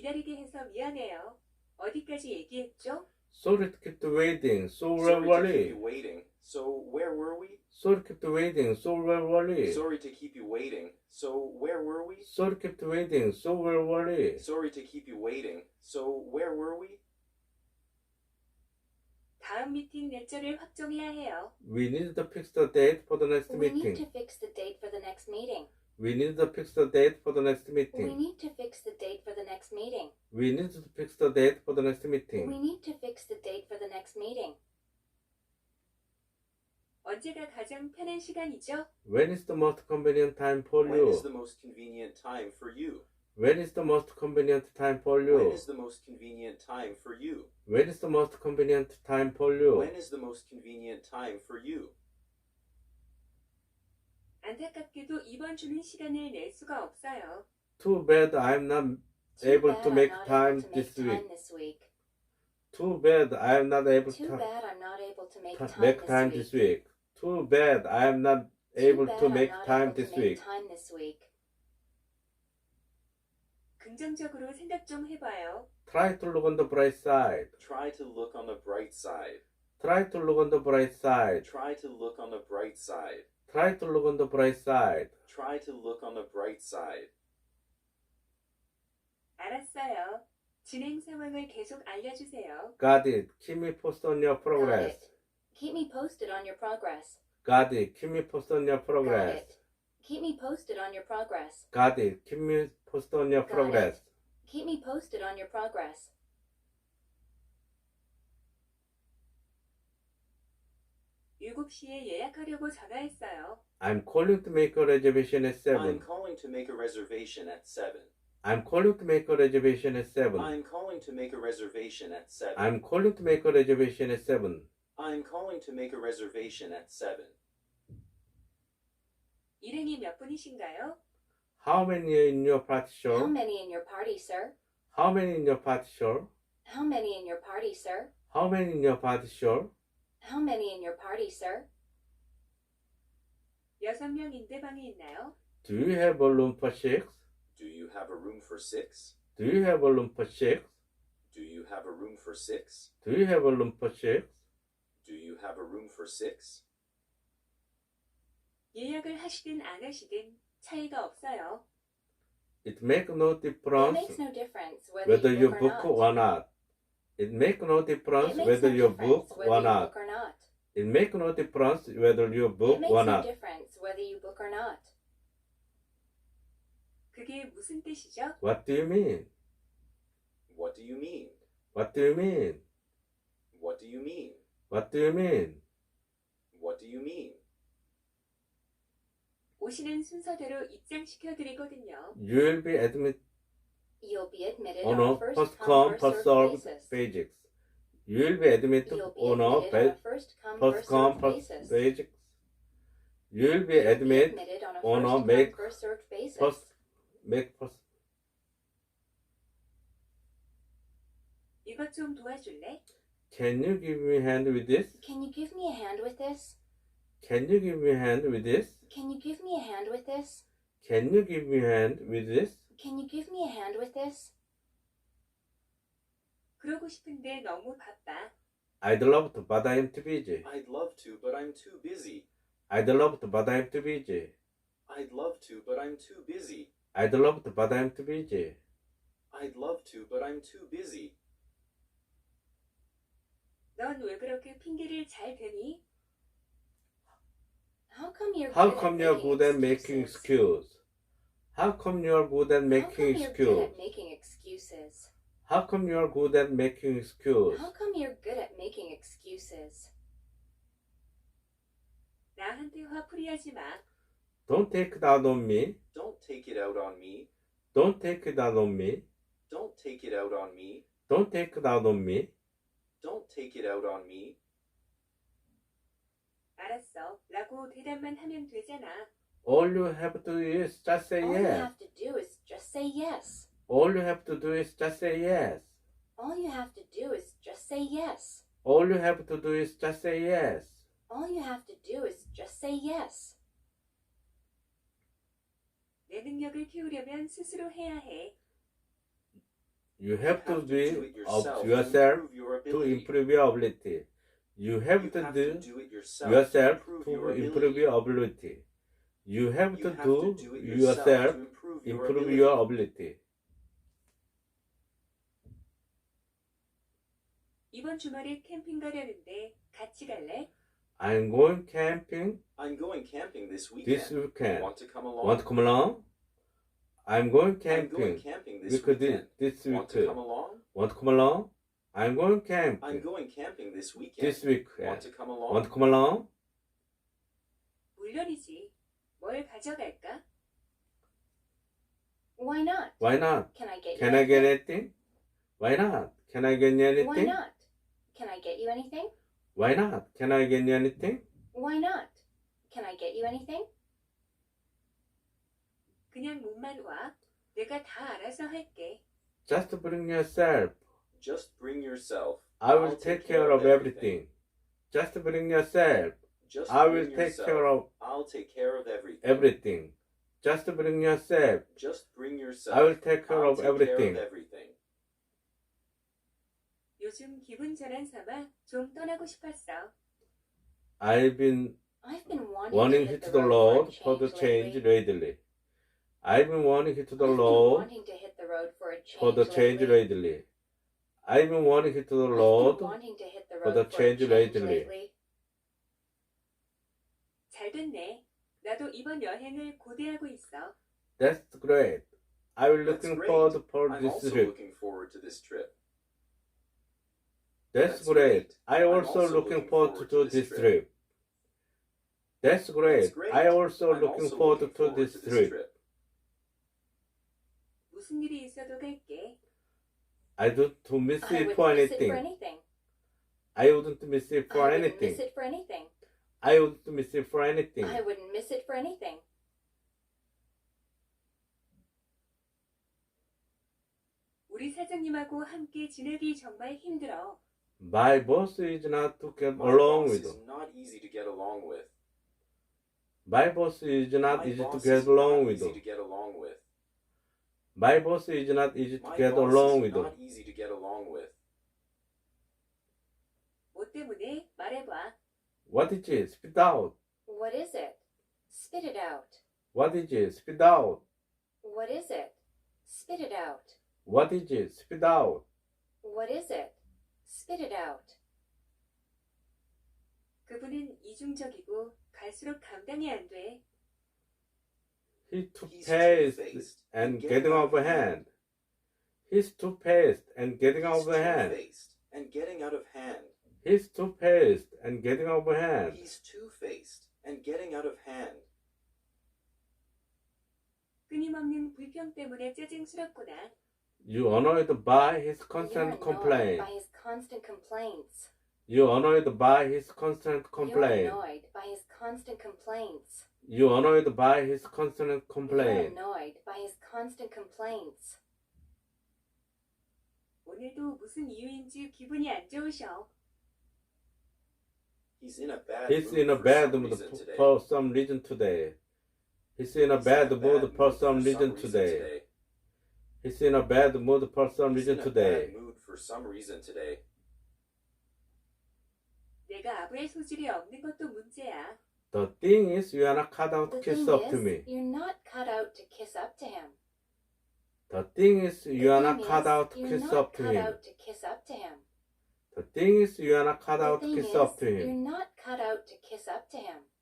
기다리게 해서 미안해요. 어디까지 얘기했죠? Sorry to keep you waiting. So Sorry to were keep we? you waiting. So where were we? Sorry to keep you waiting. So were we? Sorry to keep you waiting. So where were we? Sorry to keep you waiting. So were we? Sorry to keep you waiting. So where were we? 다음 미팅 날짜를 확정해야 해요. We need to fix the date for the next We need to meeting. fix the date for the next meeting. We need to fix the date for the next We meeting. need to fix the date for the next meeting. We need to fix the date for the next We meeting. need to fix the date for the next meeting. 언제가 가장 편한 시간이죠? When is the most convenient time for When you? is the most convenient time for you? When is the most convenient time for When you? is the most convenient time for you? When is the most convenient time for you? When is the most convenient time for you? 안타깝게도 이번 주는 시간을 낼 수가 없어요. Too bad I'm not Too able bad to I'm make not time able to make this time week. this week. Too bad I'm not able Too to bad I'm not able to make make time this week. Too bad I'm not able to make time this week. Time this week. 긍정적으로 생각 좀 해봐요. Try to look on the bright side. Try to look on the bright side. Try to look on the bright side. Try to look on the bright side. Try to look on the bright side. Try to look on the bright side. 알았어요. 진행 상황을 계속 알려주세요. Got it. Keep me posted on your Got progress. it. Keep me posted on your progress. Got it. Keep me posted on your Got progress. it. Keep me posted on your progress. Got it. Keep me posted on your Got progress. Keep me posted on your progress. 7시에 예약하려고 전화했어요. I'm calling to make a reservation at I'm 7. calling to make a reservation at 7. I'm calling to make a reservation at 7. I'm calling to make a reservation at 7. I'm calling to make a reservation at 7. I'm calling to make a reservation at 7. 일행이 몇 분이신가요? How many are in your party, How sir? many in your party, sir? How many in your party, sir? How many in your party, sir? How many in your party, sir? How many in your party, sir? 6명인데 방이 있나요? Do you have a room for 6? Do you have a room for 6? Do you have a room for 6? Do you have a room for 6? Do you have a room for 6? Do you have a room for 6? 예약을 하시든 안 하시든 차이가 없어요. It makes no It difference makes no difference whether you book book or or not. It makes no difference It makes whether no you difference book whether or you not. book or not. It makes no difference whether you It book makes or no not. difference whether you book or not. 그게 무슨 뜻이죠? What do you mean? What do you mean? What do you mean? What do you mean? What do you mean? What do you mean? 오시는 순서대로 입장시켜 드리거든요. You will be admitted You'll be admitted on on a a first first come, come, first first served served basis. basis. You will be admitted You'll be on a admitted on a first come, first first come, served first basis. basis. You will be You'll be admitted admitted on a on a first come, make first served basis. first make first. 이것 좀 도와줄래? Can you give me a hand with this? Can you give me a hand with this? Can you give me a hand with this? Can you give me a hand with this? Can you give me a hand with this? Can you give me a hand with this? 그러고 싶은데 너무 바빠. I'd love to, but I'm too busy. I'd love to, but I'm too busy. I'd love to, but I'm too busy. I'd love to, but I'm too busy. I'd love to, but I'm too busy. I'd love to, but I'm too busy. 넌 왜 그렇게 핑계를 잘 대니? How come you're How good come at you're making good at making excuses? excuse? How come you're good at How making come you're good excuse? at making excuses? How come you're good at making excuse? How come you're good at making excuses? 나한테 화풀이하지 마. Don't take it out on me. Don't take it out on me. Don't take it out on me. Don't take it out on me. Don't take it out on me. Don't take it out on me. 알았어. 라고 대답만 하면 되잖아. All you have to do is just say All you yes. have to do is just say yes. All you have to do is just say yes. All you have to do is just say yes. All you have to do is just say yes. All you have to do is just say yes. 내 능력을 키우려면 스스로 해야 해. You have to do be it of yourself yourself to improve to improve your ability. your ability. You have You to have do to do it yourself improve to your improve ability. your ability. You have You to have do to do it yourself to improve your improve ability. your ability. 이번 주말에 캠핑 가려는데 같이 갈래? I'm going camping I'm going camping this weekend. this weekend. Want to come along? Want to come along? I'm going I'm going camping camping this because weekend. this Want to week. come along? Want to come along? I'm going I'm camping going camping this weekend. this week. Want to come along? Want to come along? 물론이지. 뭘 가져갈까? Why not? Why not? Can I get you Can I get anything? anything? Why not? Can I get you anything? Why not? Can I get you anything? Why not? Can I get you anything? Why not? Can I get you anything? 그냥 몸만 와. 내가 다 알아서 할게. Just bring yourself. Just bring yourself. I will I'll take care of everything. Just bring yourself. Just I bring will take yourself. care of I'll take care of everything. everything. Just bring yourself. Just bring yourself. I will take care I'll of take everything. care of everything. 요즘 기분 전환 삼아 좀 떠나고 싶었어. I've been I've been wanting to hit hit the Lord for the change change lately. I've been wanting hit the I've been Lord wanting to hit the road for a change for the change lately. I've been wanting hit the I've been Lord wanting to hit the for road the for a change change lately. lately. 잘 됐네. 나도 이번 여행을 고대하고 있어. That's great. I will That's looking great. forward for I'm this also trip. looking forward to this trip. That's That's great. great. I I'm also also looking looking forward forward to to this this trip. That's great. great. I also I'm looking also forward looking to forward this to this trip. trip. 무슨 일이 있어도 갈게. I don't to miss I it wouldn't for miss it for anything. anything. I wouldn't miss it for I wouldn't anything. miss it for anything. I wouldn't miss it for anything. I wouldn't miss it for anything. 우리 사장님하고 함께 지내기 정말 힘들어. My boss is not to get My along boss with. is not easy to get along with. My boss is not My easy to boss get is along not with. easy to get along with. My boss is not easy to My get boss along is with. not easy to get along with. 뭐 때문에? 말해봐. What is it? Spit out. What is it? Spit it out. What is it? Spit out. What is it? Spit it out. What is it? Spit out. What is it? Spit it out. 그분은 이중적이고 갈수록 감당이 안 돼. He's too He's fast two-faced and getting out of hand. He's too fast and getting out He's of hand. two-faced and getting out of hand. He's too fast and getting out of hand. He's two-faced and getting out of hand. 끊임없는 불평 때문에 짜증스럽구나. You annoyed by his You're constant annoyed complaint. by his constant complaints. You annoyed by his constant You're complaint. annoyed by his constant complaints. You annoyed by his constant You're complaint. annoyed by his constant complaints. 오늘도 무슨 이유인지 기분이 안 좋으셔. He's in a bad He's mood in a for bad some mood reason today. for some reason today. He's in a He's bad in a mood for mood some reason today. He's in a bad mood for some He's reason in a today. bad mood for some reason today. 내가 아부의 소질이 없는 것도 문제야. The thing is, you are not cut out to The kiss thing up to is, me. you're not cut out to kiss up to him. The thing is, you are not The thing cut is, out to you're kiss not up to cut him. out to kiss up to him. The thing is, you are not cut The out to thing kiss is, up to you're him. not cut out to kiss up to him.